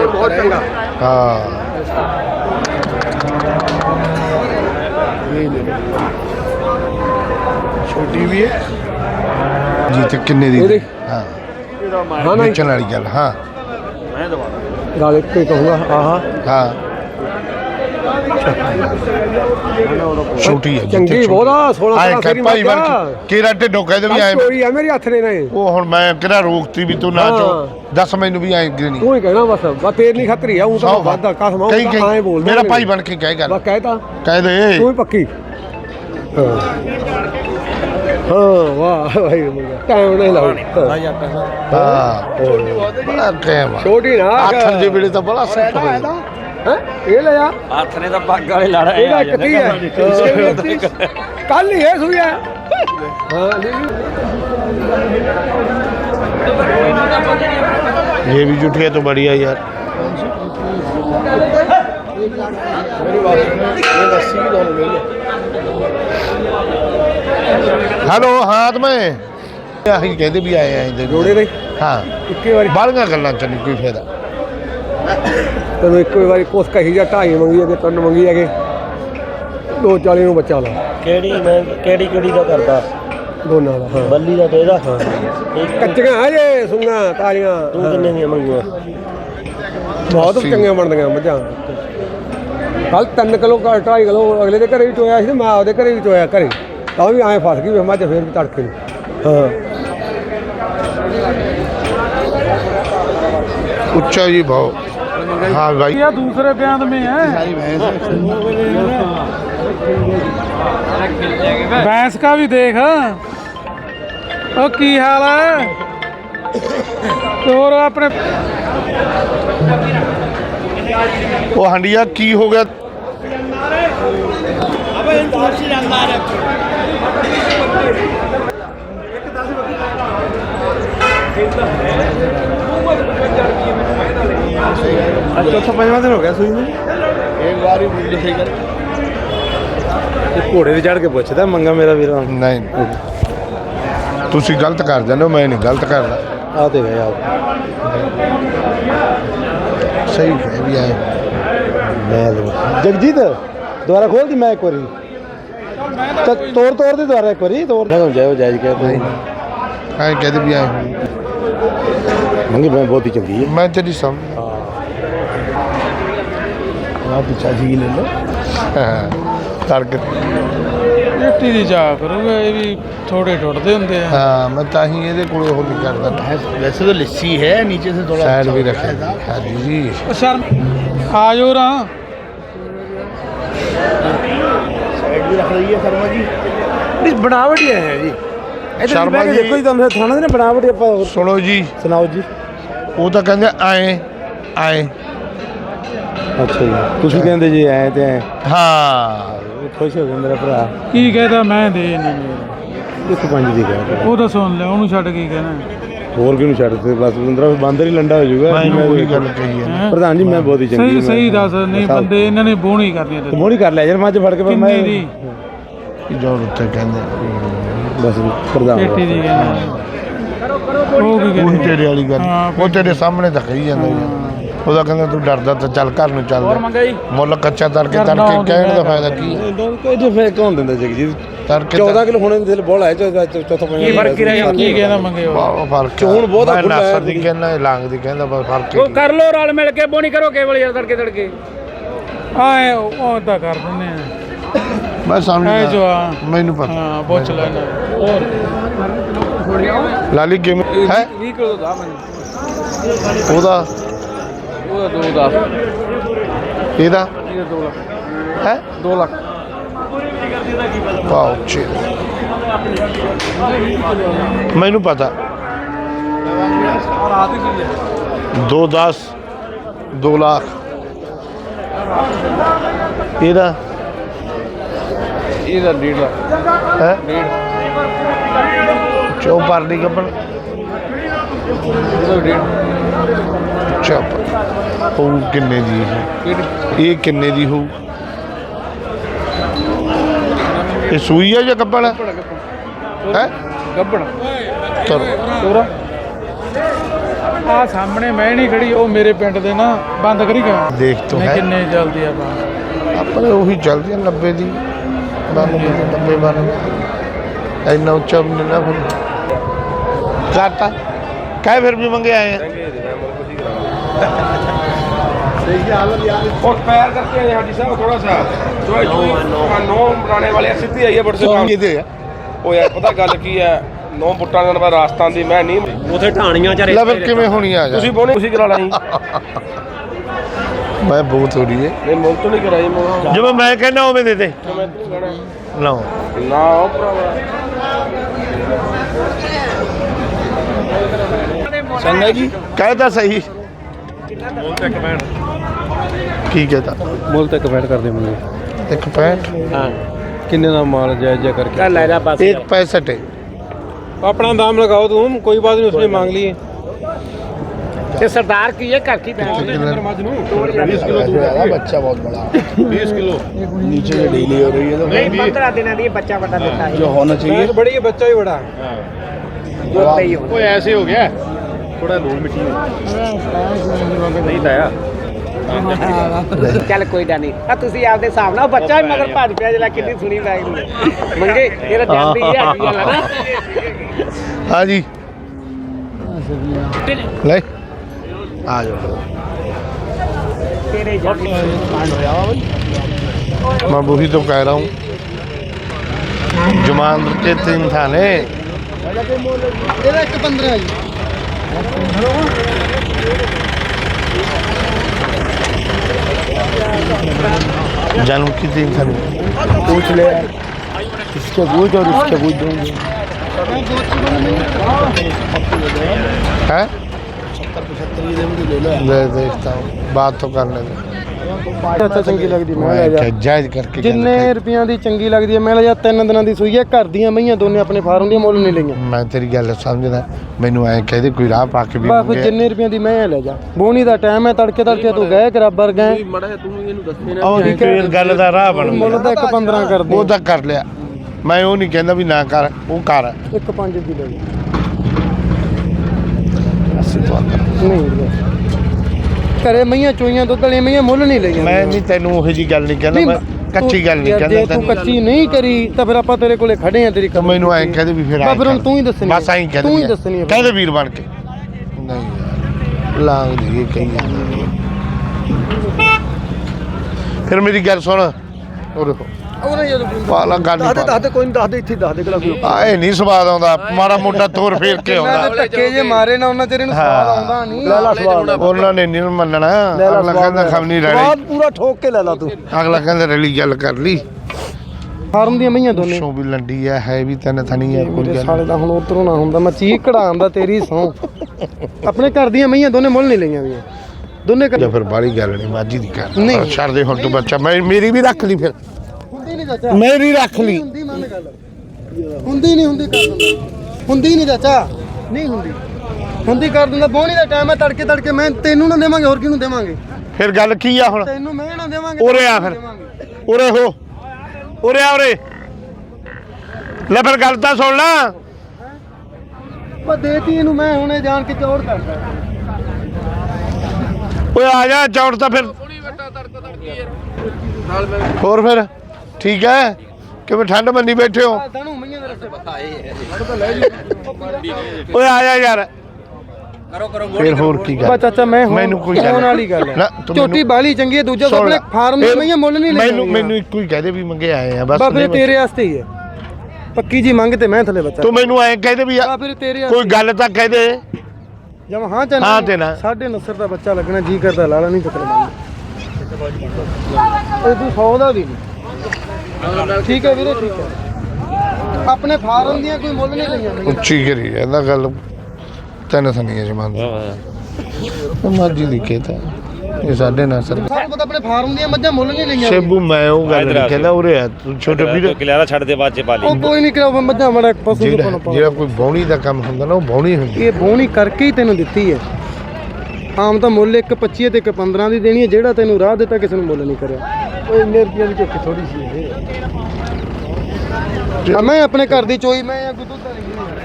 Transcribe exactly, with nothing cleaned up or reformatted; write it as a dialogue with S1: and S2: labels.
S1: बहुत चंगा।
S2: हाँ छोटी भी है जी। तो किन्ने दी? हाँ
S1: हाँ नहीं
S2: बेचने वाली गल। हाँ
S1: गल एक ही कहूँगा। हाँ
S2: हाँ छोटी है
S1: चंगी बहुत आ सोलह
S2: आए
S1: सत्रह
S2: कर
S1: फेरी
S2: भाई
S1: मत
S2: वर
S1: जा।
S2: केरा ढिड्डों कह दे भी आए
S1: चोरी है मेरे हथ ने नहीं
S2: ਉਹ ਹੁਣ ਮੈਂ ਕਿਹੜਾ ਰੋਕਤੀ ਵੀ ਤੂੰ ਨਾ
S1: ਹਾਂ।
S2: ਚੋ ਦੱਸ ਮੈਨੂੰ ਵੀ ਐਂ ਗਿਣੀ
S1: तू ही कहना बस बस तेरी नहीं खतरी है हूं तो वादा कसम हूं
S2: ਕਹੀਂ
S1: आए बोल
S2: ਮੇਰਾ ਭਾਈ ਬਣ ਕੇ ਕਹਿ ਗੱਲ
S1: बस कहता
S2: ਕਹਿ ਦੇ
S1: तू ही पक्की। हाँ हाँ वाह भाई टाइम नहीं लाओ।
S2: ਹਾਂ ਬੜਾ ਟਾਈਮ ਆ
S1: छोटी ना
S2: ਆਥਣ ਦੇ ਵੇਲੇ ਤਾਂ ਬੜਾ ਸੈੱਟ ਹੋ ਜਾਂਦਾ
S1: हैं ये ले जा
S3: ਹੱਥ ਨੇ ਤਾਂ ਪੱਗ ਵਾਲੇ ਲੜ ਰਹੇ
S1: ਇਹਦਾ ਕੱਟੀ ਹੈ ਕੱਲ ਹੀ ਹੈ ਸੂਈ ਹੈ। हाँ
S2: ये भी जुटिया तो बढ़िया यार। हेलो हाँ तो मैं ਅਸੀਂ ਕਹਿੰਦੇ ਵੀ ਆਏ ਆਂ
S1: ਜੋੜੇ ਦੇ
S2: ਹਾਂ
S1: ਇੱਕੇ ਵਾਰੀ
S2: ਬਾਹਲੀਆਂ ਗੱਲਾਂ ਚ ਨਹੀਂ ਕੋਈ ਫਾਇਦਾ।
S1: ਤੈਨੂੰ ਇੱਕੋ ਵਾਰੀ ਕੁਛ ਕਹੀ ਜਾ ਢਾਈ ਮੰਗੀ ਹੈਗੇ ਤਿੰਨ ਮੰਗੀ ਹੈਗੇ ਦੋ ਚਾਲੀ ਨੂੰ ਬੱਚਾ ਲਾ
S3: ਕਿਹੜੀ ਮੈਂ ਕਿਹੜੀ ਕਿਹੜੀ ਦਾ ਕਰਦਾ
S1: ਦੋਨਾਂ ਦਾ। ਹਾਂ
S3: ਬੱਲੀ ਦਾ ਤੇ ਇਹਦਾ
S1: ਕੱਚੀਆਂ ਹਜੇ ਸੁੰਗਾ ਤਾਲੀਆਂ।
S3: ਤੂੰ ਕਿੰਨੇ ਦੀਆਂ ਮੰਗੂਆ?
S1: ਬਹੁਤ ਚੰਗੀਆਂ ਬਣਦੀਆਂ ਮੱਝਾਂ। ਕੱਲ ਤਿੰਨ ਕਿਲੋ ਢਾਈ ਕਿਲੋ ਅਗਲੇ ਦੇ ਘਰੇ ਵੀ ਚੋਇਆ ਸੀ ਤੇ ਮੈਂ ਆਪਦੇ ਘਰੇ ਵੀ ਚੋਇਆ ਘਰੇ ਤਾਂ ਵੀ ਐਂ ਫਸ ਗਈ ਵੇ ਮੱਝ ਫੇਰ ਵੀ ਤੜਕੇ ਨੂੰ। ਹਾਂ
S2: उच्चा जी भाव। हाँ भाई
S4: या दूसरे बयान में है भैंस का भी देख। ओ की हाल है और अपने
S2: वो हंडिया की हो गया?
S1: चौथा पंजवा दिन हो गया सुई में एक बार ही सही कर घोड़े से चढ़ के पूछता मंगा मेरा वीर
S2: नहीं तुसी गलत कर जाते हो मैं नहीं गलत करता।
S1: आते गए आप
S2: सही है भी आए
S1: मैं जगजीत दोबारा खोल दी मैं एक बारी तोड़ तोड़ दी दोबारा एक बारी तोड़ जाए जायज कहते
S2: हाँ कहते भी आए
S1: मंगी मैं बहुत ही चंगी है।
S2: मैं तेरी समझ
S1: पिछा जी ले लो
S2: तड़क
S4: ਮਿੱਟੀ ਦੀ ਜਾ ਕਰੂਗਾ ਇਹ ਵੀ ਥੋੜੇ ਟੁੱਟਦੇ ਹੁੰਦੇ ਆ।
S2: हाँ मैं ताही ਇਹਦੇ ਕੋਲੇ ਉਹ ਨਹੀਂ ਕਰਦਾ।
S1: वैसे तो लस्सी है नीचे से थोड़ा
S2: साइड भी रखे हाँ जी जी
S4: ਉਹ ਸ਼ਰਮ ਆ ਜਾਓ ਰਾਂ
S1: साइड भी रख रही है शर्मा जी बनावट ही है जी।
S2: शर्मा जी
S1: देखो जी तुम थाना ने बनावट आप
S2: सुनो जी
S1: सुनाओ जी।
S2: ਉਹ ਤਾਂ ਕਹਿੰਦੇ ਆਏ ਆਏ।
S1: ਅੱਛਾ ਜੀ ਤੁਸੀਂ ਕਹਿੰਦੇ ਜੀ ਐ ਤੇ ਐ
S2: ਹਾਂ
S1: ਖੁਸ਼ ਹੋ ਗਿਆ ਮੇਰਾ ਭਰਾ।
S4: ਕੀ ਕਹਦਾ ਮੈਂ ਦੇ ਇਹਨਾਂ ਨੂੰ
S1: ਇੱਕ ਪੰਜ ਦੀ ਕਹਿ
S4: ਉਹ ਤਾਂ ਸੁਣ ਲਿਆ ਉਹਨੂੰ ਛੱਡ ਕੇ ਕਹਿਣਾ
S1: ਹੋਰ ਕਿਹਨੂੰ ਛੱਡ ਦਿੱਤੇ ਬਸ ਪੰਦਰਾਂ ਬਾਂਦਰ ਹੀ ਲੰਡਾ ਹੋ ਜਾਊਗਾ।
S2: ਮੈਂ ਉਹੀ ਗੱਲ ਕਹੀ ਹੈ
S4: ਹੈਂ?
S1: ਪ੍ਰਧਾਨ ਜੀ ਮੈਂ ਬਹੁਤ ਹੀ ਚੰਗੀ
S4: ਸਹੀ ਸਹੀ ਦੱਸ ਨਹੀਂ ਬੰਦੇ ਇਹਨਾਂ ਨੇ ਬੋਣੀ ਕਰਨੀ ਤੇ
S1: ਮੋੜੀ ਕਰ ਲਿਆ ਯਾਰ ਮੱਝ ਫੜ ਕੇ ਪਰ ਮੈਂ
S4: ਕਿੰਨੇ ਦੀ
S2: ਜੋ ਉੱਤੇ ਕਹਿੰਦੇ
S1: ਬਸ ਪ੍ਰਧਾਨ
S4: ਪੇਟੀ ਦੀ ਕਹਿੰਦਾ ਉਹ ਕੀ
S2: ਉਹੀ
S4: ਕਹਿੰਦੇ
S2: ਤੇਰੇ ਵਾਲੀ ਗੱਲ
S4: ਹਾਂ,
S2: ਉਹ ਤੇਰੇ ਸਾਹਮਣੇ ਤਾਂ ਕਹੀ ਜਾਂਦਾ ਯਾਰ। ਉਹਦਾ ਕਹਿੰਦਾ ਤੂੰ ਡਰਦਾ ਤਾਂ ਚੱਲ ਘਰ ਨੂੰ ਚੱਲ ਮੁੱਲ ਕੱਚਾ ਤੜਕੇ ਤੜਕੇ ਕਹਿਣ ਦਾ ਫਾਇਦਾ ਕੀ ਹੈ?
S1: ਕੋਈ ਜੇ ਫੇਰ ਕੌਣ ਦਿੰਦਾ ਜਗਜੀਤ
S2: ਤੜਕੇ
S1: ਚੌਦਾਂ ਕਿਲੋ ਹੋਣੇ ਦਿਲ ਬੋਲ ਹੈ ਚੌਥਾ ਪੰਜਵਾਂ
S4: ਕੀ ਫਰਕ ਰਹਿ ਕੀ ਕਹਿੰਦਾ ਮੰਗੇ ਉਹ
S2: ਬਹੁਤ ਫਰਕ
S1: ਚੋਣ ਬਹੁਤ ਆ,
S2: ਮੈਂ
S1: ਖੁੱਲ੍ਹਾ ਹੈ
S2: ਨਾਸਰ ਦੀ ਕਹਿੰਦਾ ਇਹ ਲਾਂਗ ਦੀ ਕਹਿੰਦਾ ਬਸ ਫਰਕ
S3: ਉਹ ਕਰ ਲੋ ਰਲ ਮਿਲ ਕੇ ਬੋਣੀ ਕਰੋ ਕੇਵਲ ਯਾਰ ਤੜਕੇ ਤੜਕੇ
S4: ਆਏ ਉਹ ਤਾਂ ਕਰ ਦਿੰਦੇ ਆ
S2: ਮੈਂ
S4: ਐ ਜੋ
S2: ਸਮਝਦਾ
S4: ਆ
S2: ਮੈਨੂੰ ਪਤਾ
S4: ਹਾਂ ਪੁੱਛ ਲੈਣਾ ਹੋਰ
S2: ਲਾਲੀ ਕਿਵੇਂ ਹੈ
S4: ਵੀਹ ਕਿਲੋ ਦਾ ਮੈਨੂੰ
S2: ਉਹਦਾ
S4: ਉਹਦਾ ਦੋ ਦਾ
S2: ਇਹਦਾ
S4: ਇਹ ਦੋ ਲੱਖ
S2: ਹੈ
S4: ਦੋ ਲੱਖ
S2: ਵਾਓ ਚੇ ਮੈਨੂੰ ਪਤਾ
S4: ਰਾਤ ਹੀ ਸੀ
S2: ਦੋ ਦਸ ਦੋ ਲੱਖ ਇਹਦਾ
S4: ਇਹਦਾ ਡੇਢ ਲੱਖ
S2: ਹੈ
S4: ਡੇਢ
S2: ਚੋ ਪਰਲੀ ਕੱਪੜ
S4: ਇਹਦਾ ਡੇਢ
S2: ਚੁੱਪ ਉਹ ਕਿੰਨੇ ਦੀ ਹੈ ਇਹ ਕਿੰਨੇ ਦੀ ਹੋਊ ਇਹ ਸੂਈ ਹੈ ਜਾਂ ਕੱਪੜ ਹੈ
S4: ਗੱਬੜ
S2: ਚਲੋ
S4: ਤੋਰਾ ਆ ਸਾਹਮਣੇ ਮੈਂ ਨਹੀਂ ਖੜੀ ਉਹ ਮੇਰੇ ਪਿੰਡ ਦੇ ਨਾ ਬੰਦ ਕਰੀ ਗਿਆ
S2: ਦੇਖ ਤੋ
S4: ਨਹੀਂ
S2: ਹੈ
S4: ਕਿੰਨੇ ਚੱਲਦੀ ਆ ਬਾਹਰ
S2: ਆਪਣੇ ਉਹੀ ਚੱਲਦੀ ਆ ਨੱਬੇ ਦੀ ਬਾਨਵੇਂ ਦੀ ਨੱਬੇ ਬਾਨਵੇਂ ਇੰਨਾ ਉੱਚਾ ਵੀ ਨਹੀਂ ਨਾ ਫਿਰ ਕਰਤਾ ਕਾਹ ਫਿਰ ਵੀ ਮੰਗੇ ਆਏ ਆ
S5: और पैर करके हैं हाजी साहब थोड़ा सा जो जो नौ बनाने वाले सीधी आई है बड़े से काम
S2: ਕਿਤੇ ਆ
S5: ਉਹ ਯਾਰ ਪਤਾ ਗੱਲ ਕੀ ਹੈ ਨੌ ਬੁੱਟਾਂ ਦਾ ਨੰਬਰ ਰਾਜਸਥਾਨ ਦੀ ਮੈਂ ਨਹੀਂ
S3: ਉਥੇ ਢਾਣੀਆਂ ਚ
S2: ਲੈ ਫਿਰ ਕਿਵੇਂ ਹੋਣੀ ਆ ਜਾ
S5: ਤੁਸੀਂ ਬੋਨੇ ਤੁਸੀਂ ਕਰਾ ਲਈ
S2: ਮੈਂ ਬਹੁਤ ਹੋ ਰਹੀ ਹੈ
S5: ਨਹੀਂ ਮੁੱਲ ਤੋਂ ਨਹੀਂ ਕਰਾਈ ਮੈਂ
S2: ਜਿਵੇਂ ਮੈਂ ਕਹਿੰਦਾ ਉਵੇਂ ਦੇ ਦੇ
S5: ਮੈਂ ਤੈਨੂੰ ਕਹਿਣਾ
S2: ਲਓ
S5: ਨਾ ਉਹ ਭਰਾਵਾ
S3: ਸੰਗਾ ਜੀ
S2: ਕਹਿਦਾ ਸਹੀ ਕੀ ਕਹਤਾ
S1: ਮੁੱਲ ਤੱਕ ਬੈਠ ਕਰਦੇ ਮੁੰਡੇ
S2: ਇੱਕ ਪੈਂਟ
S3: ਹਾਂ
S1: ਕਿੰਨੇ ਦਾ ਮਾਲ ਜਾਇਜ਼ਾ ਕਰਕੇ
S3: ਚੱਲ ਲੈ ਜਾ ਬਸ
S2: एक पैंसठ है
S1: अपना दाम लगाओ तुम कोई बात नहीं उसने मांग लिए
S3: ਤੇ ਸਰਦਾਰ ਕੀ ਹੈ ਘਰ ਕੀ ਪੈਂਦੇ
S2: बीस किलो बच्चा बहुत बड़ा बीस किलो नीचे से ढीली हो रही है तो
S3: ਨਹੀਂ पंद्रह ਦਿਨਾਂ ਦੀ ਬੱਚਾ ਵੱਡਾ ਦਿੱਤਾ ਹੈ
S2: जो होना चाहिए
S1: बड़ी है बच्चा ही बड़ा
S3: ਦੁੱਧ ਤੇ ਹੀ ਹੋਣਾ
S2: कोई ऐसे हो गया थोड़ा धूल मिट्टी नहीं लाया
S3: ਚੱਲ ਕੋਈ ਗੱਲ ਨਹੀਂ ਆ ਤੁਸੀਂ ਆਪਦੇ ਹਿਸਾਬ ਨਾਲ ਬੱਚਾ ਵੀ ਮਗਰ ਭੱਜ ਪਿਆ ਜਿਹੜਾ ਕਿੰਨੀ ਸੁਣੀ ਲੱਗ ਗਈ ਮੰਗੇ ਇਹਦਾ ਜਾਂਦੀ ਹੀ ਹੈਗੀ ਗੱਲ ਹੈ ਨਾ
S2: हाँ जी ले आ जाओ
S3: ਤੇਰੇ ਜਾਂਦੀ
S2: मैं वही तो कह रहा हूँ जुमान के तीन थाने
S4: ਇਹਦਾ ਇੱਕ ਪੰਦਰਾਂ ਜੀ
S2: जानू की तीन थाने
S1: पूछ ले इसके बूझ और इसके बूझ दूंगे
S2: है ले देखता हूँ बात तो करने दो
S4: ਅੱਛਾ ਚੰਗੀ ਲੱਗਦੀ ਮੈਂ ਲੈ ਜਾ
S2: जायज करके
S4: ਜਿੰਨੇ ਰੁਪਈਆਂ ਦੀ ਚੰਗੀ ਲੱਗਦੀ ਹੈ ਮੈਂ ਲੈ ਜਾ ਤਿੰਨ ਦਿਨਾਂ ਦੀ ਸੂਈ ਹੈ ਘਰ ਦੀਆਂ ਮਈਆਂ ਦੋਨੇ ਆਪਣੇ ਫਾਰਮ ਦੀਆਂ ਮੁੱਲ ਨਹੀਂ ਲਈਆਂ
S2: मैं तेरी गल समझदा मैनू ऐ कहदे कोई राह पा के भी
S4: ਬਸ
S2: मंगे
S4: ਜਿੰਨੇ ਰੁਪਈਆਂ ਦੀ ਮੈਂ ਲੈ ਜਾ ਬੋਣੀ ਦਾ ਟਾਈਮ ਹੈ ਤੜਕੇ ਤੜਕੇ ਤੂੰ ਗਏ ਕਰਾਬਰ ਗਏ
S2: ਉਹ ਫਿਰ ਗੱਲ ਦਾ ਰਾਹ ਬਣ
S4: ਮੁੱਲ ਤਾਂ ਇੱਕ ਪੰਦਰਾਂ ਕਰਦੇ
S2: ਉਹ ਤਾਂ ਕਰ ਲਿਆ ਮੈਂ ਉਹ ਨਹੀਂ ਕਹਿੰਦਾ ਵੀ ਨਾ ਕਰ ਉਹ ਕਰ
S4: ਇੱਕ ਪੰਜ ਦੀ ਲੈ ਜਾ
S2: ਅਸੀਂ ਤਾਂ
S4: ਨਹੀਂ ਘਰੇ ਮਈਆਂ ਚੋਈਆਂ ਦੁੱਧ ਵਾਲੀਆਂ ਮਈਆਂ ਮੁੱਲ ਨਹੀਂ ਲਈਆਂ
S2: ਮੈਂ ਨਹੀਂ ਤੈਨੂੰ ਉਹੋ ਜੀ ਗੱਲ ਨਹੀਂ ਕਹਿੰਦਾ ਮੈਂ ਕੱਚੀ ਗੱਲ ਨਹੀਂ
S4: ਯਾਰ,
S2: ਕਹਿੰਦਾ
S4: ਜੇ ਤੂੰ
S2: ਤੈਨੂੰ
S4: ਕੱਚੀ ਨਹੀਂ ਕਰੀ ਤਾਂ ਫਿਰ ਆਪਾਂ ਤੇਰੇ ਕੋਲੇ ਖੜੇ ਆ ਤੇਰੀ
S2: ਤਾਂ ਮੈਨੂੰ ਐਂ ਕਹਦੇ ਵੀ ਫਿਰ
S4: ਬਸ ਫਿਰ ਹੁਣ
S2: ਕਰ।
S4: ਤੂੰ ਹੀ ਦੱਸਣੀ
S2: ਬਸ ਐਂ ਕਹਦੇ
S4: ਤੂੰ ਹੀ ਦੱਸਣੀ ਹੈ
S2: ਕਹਦੇ ਵੀਰ ਬਣ ਕੇ ਨਹੀਂ ਯਾਰ ਲਾਂਗ ਦੀ ਇਹ ਕਹੀ ਜਾਂਦਾ ਫਿਰ ਮੇਰੀ ਗੱਲ ਸੁਣ ਉਹ ਦੇਖੋ
S1: ਉਹਨੇ ਜਦੋਂ
S2: ਪਾਲਾ ਗੱਲ
S1: ਦੱਸ ਦੇ ਦੱਸ ਦੇ ਕੋਈ ਨਹੀਂ ਦੱਸ ਦੇ ਇੱਥੇ ਦੱਸ ਦੇ ਕਿਲਾ ਕੋਈ
S2: ਆਏ ਨਹੀਂ ਸਵਾਦ ਆਉਂਦਾ ਮਾੜਾ ਮੋਟਾ ਤੋਰ ਫੇਰ ਕੇ
S4: ਮੈਂ
S2: ਆਉਂਦਾ
S4: ਤਾਂ ਧੱਕੇ ਜੇ ਮਾਰੇ ਨਾ ਉਹਨਾਂ ਤੇਰੇ ਨੂੰ ਸਵਾਦ ਆਉਂਦਾ ਨਹੀਂ
S1: ਲੈ ਲਾ ਸਵਾਦ
S2: ਉਹਨਾਂ ਨੇ ਨਹੀਂ ਮੰਨਣਾ ਅਗਲਾ ਕਹਿੰਦਾ ਖਮਨੀ ਰਲੀ
S1: ਸਵਾਦ ਪੂਰਾ ਠੋਕ ਕੇ ਲੈ ਲਾ ਤੂੰ
S2: ਅਗਲਾ ਕਹਿੰਦਾ ਰਲੀ ਗੱਲ ਕਰ ਲਈ
S4: ਫਾਰਮ ਦੀਆਂ ਮਈਆਂ ਦੋਨੇ
S2: ਸ਼ੋ ਵੀ ਲੰਡੀ ਆ ਹੈ ਵੀ ਤਿੰਨ ਥਣੀ ਆ ਕੋਈ
S4: ਮੇਰੇ
S2: ਗੱਲ
S4: ਸਾਲੇ ਦਾ ਹੁਣ ਉਧਰੋਂ ਨਾ ਹੁੰਦਾ ਮੈਂ ਚੀਕ ਕਢਾਉਂਦਾ ਤੇਰੀ ਸੌ ਆਪਣੇ ਘਰ ਦੀਆਂ ਮਈਆਂ ਦੋਨੇ ਮੁੱਲ ਨਹੀਂ ਲਈਆਂ ਵੀ ਦੋਨੇ
S2: ਜਾਂ ਫਿਰ ਬਾੜੀ ਗੱਲ ਨਹੀਂ ਮਾਜੀ ਦੀ ਕਰ
S4: ਨਹੀਂ।
S2: ਛੱਡ ਦੇ ਹੁਣ ਤੂੰ ਬੱਚਾ ਮੈਂ ਮੇਰੀ ਵੀ ਰੱਖ ਲਈ ਫਿਰ
S4: ਹੁੰਦੀ ਨਹੀਂ ਚਾਚਾ
S2: ਮੇਰੀ ਰੱਖ ਲਈ
S4: ਹੁੰਦੀ ਮੰਨ ਗੱਲ ਹੁੰਦੀ ਨਹੀਂ ਹੁੰਦੀ ਕਰ ਦਿੰਦਾ ਹੁੰਦੀ ਨਹੀਂ ਚਾਚਾ ਨਹੀਂ ਹੁੰਦੀ ਹੁੰਦੀ ਕਰ ਦਿੰਦਾ ਬੋਣੀ ਦਾ ਟਾਈਮ ਹੈ ਤੜਕੇ ਤੜਕੇ ਮੈਂ ਤੈਨੂੰ ਨਾ ਦੇਵਾਂਗੇ ਹੋਰ ਕਿਹਨੂੰ ਦੇਵਾਂਗੇ
S2: ਫਿਰ ਗੱਲ ਕੀ ਆ ਹੁਣ
S4: ਤੈਨੂੰ ਮੈਂ ਨਾ ਦੇਵਾਂਗੇ
S2: ਉਰੇ ਆ ਫਿਰ ਉਰੇ ਹੋ ਉਰੇ ਆ ਉਰੇ ਲੈ ਫਿਰ ਗੱਲ ਤਾਂ ਸੁਣ ਲੈ
S4: ਮੈਂ ਦੇਤੀ ਇਹਨੂੰ ਮੈਂ ਹੁਣੇ ਜਾਣ ਕੇ ਚੌੜ ਕਰਦਾ
S2: ਓਏ ਆ ਜਾ ਚੌੜ ਤਾਂ ਫਿਰ ਹੋਰ ਫਿਰ ਠੀਕ ਹੈ ਕਿਵੇਂ ਠੰਡ ਮੰਨੀ ਬੈਠੇ ਹੋ
S4: ਤੈਨੂੰ ਮਈਆਂ ਦੇ ਰਸਤੇ
S2: ਓਏ ਆ ਜਾ ਯਾਰ
S3: ਕਰੋ ਕਰੋ
S2: ਫਿਰ ਹੋਰ ਕੀ
S4: ਬਾ
S2: ਗੱਲ
S4: ਚਾਚਾ ਮੈਂ ਹੁਣ
S2: ਮੈਨੂੰ ਕੋਈ ਗੱਲ
S4: ਹੋਣ ਵਾਲੀ ਗੱਲ
S2: ਨਾ,
S4: ਹੈ
S2: ਤੂੰ
S4: ਝੋਟੀ
S2: ਮੈਨੂੰ-
S4: ਬਾਲੀ ਚੰਗੀ ਹੈ ਦੂਜਾ
S2: ਸੁਣ
S4: ਆਪਣੇ
S2: ਲੈ।
S4: ਫਾਰਮ ਦੀਆਂ
S2: ਫਿਰ
S4: ਮਈਆਂ ਮੁੱਲ ਨਹੀਂ ਲੈਣੀਆਂ
S2: ਮੈਨੂੰ ਮੈਨੂੰ ਇੱਕੋ ਹੀ ਕਹਦੇ ਵੀ ਮੰਗੇ ਆਏ ਆ ਬਸ
S4: ਬਾ ਫਿਰ
S2: ਨਹੀਂ
S4: ਤੇਰੇ ਵਾਸਤੇ ਹੀ ਹੈ ਪੱਕੀ ਜੀ ਮੰਗ ਤੇ ਮੈਂ ਥੱਲੇ ਬੱਚਾ
S2: ਤੂੰ ਮੈਨੂੰ ਐਂ ਕਹਦੇ ਵੀ
S4: ਬਾ ਫਿਰ ਤੇਰੇ
S2: ਕੋਈ ਗੱਲ ਤਾਂ ਕਹਦੇ
S4: ਜਦ ਹਾਂ ਚੱਲ
S2: ਹਾਂ ਤੇ ਨਾ।
S4: ਸਾਢੇ ਨਸਰ ਦਾ ਬੱਚਾ ਲੱਗਣਾ ਜੀ ਕਰਦਾ ਲਾਲਾ ਨਹੀਂ ਪਕੜਨਾ ਇਹ ਤੂੰ ਸੌ ਦਾ ਵੀ ਨਹੀਂ ਠੀਕ ਹੈ ਵੀਰੇ ਠੀਕ ਹੈ ਆਪਣੇ ਫਾਰਮ ਦੀਆਂ ਕੋਈ ਮੁੱਲ ਨਹੀਂ ਲਈਆਂ ਮਈਆਂ।
S2: ਉੱਚੀ ਕਰੀ ਇਹਦਾ ਗੱਲ ਤਿੰਨ ਥਣੀਆਂ ਜਮਾਨ ਮਰਜੀ ਦੀ ਕਹਤਾ ਇਹ ਸਾਡੇ ਨਾਲ ਸਰ
S4: ਸਾਨੂੰ ਪਤਾ ਆਪਣੇ ਫਾਰਮ ਦੀਆਂ ਮੱਝਾਂ ਮੁੱਲ ਨਹੀਂ ਲਈਆਂ
S2: ਸੇਬੂ ਮੈਂ ਉਹ ਗੱਲ ਨਹੀਂ ਕਹਿੰਦਾ ਉਰੇ ਆ ਤੂੰ ਛੋਟੇ ਵੀਰ
S3: ਕਿਲਿਆਰਾ ਛੱਡ ਦੇ ਬਾਅਦ ਚ ਪਾ ਲਈ
S4: ਉਹ ਕੋਈ ਨਹੀਂ ਕਰਾ ਮੱਝਾਂ ਬੜਾ ਪਸ਼ੂ ਨੂੰ
S2: ਜਿਹੜਾ
S4: ਪਾਉਣਾ
S2: ਜਿਹੜਾ ਕੋਈ ਬੌਣੀ ਦਾ ਕੰਮ ਹੁੰਦਾ ਨਾ ਉਹ ਬੌਣੀ ਹੁੰਦੀ
S4: ਇਹ ਬੋਣੀ ਕਰਕੇ ਹੀ ਤੈਨੂੰ ਦਿੱਤੀ ਹੈ ਆਮ ਤਾਂ ਮੁੱਲ ਇੱਕ ਪੱਚੀ ਤੇ ਇੱਕ ਪੰਦਰਾਂ ਦੀ ਦੇਣੀ ਹੈ ਜਿਹੜਾ ਤੈਨੂੰ ਰਾਹ ਦਿੱਤਾ ਕਿਸੇ ਨੂੰ ਮੁੱਲ ਨਹੀਂ ਕਰਿਆ ਓਏ ਇੰਨੇ ਰੁਪਈਆਂ ਦੀ ਝੋਕੀ ਥੋੜੀ ਸੀ ਇਹ ਆ ਮੈਂ ਆਪਣੇ ਘਰ ਦੀ ਚੋਈ ਮੈਂ ਆ ਕੋਈ ਦੁੱਧ ਵਾਲੀ ਨਹੀਂ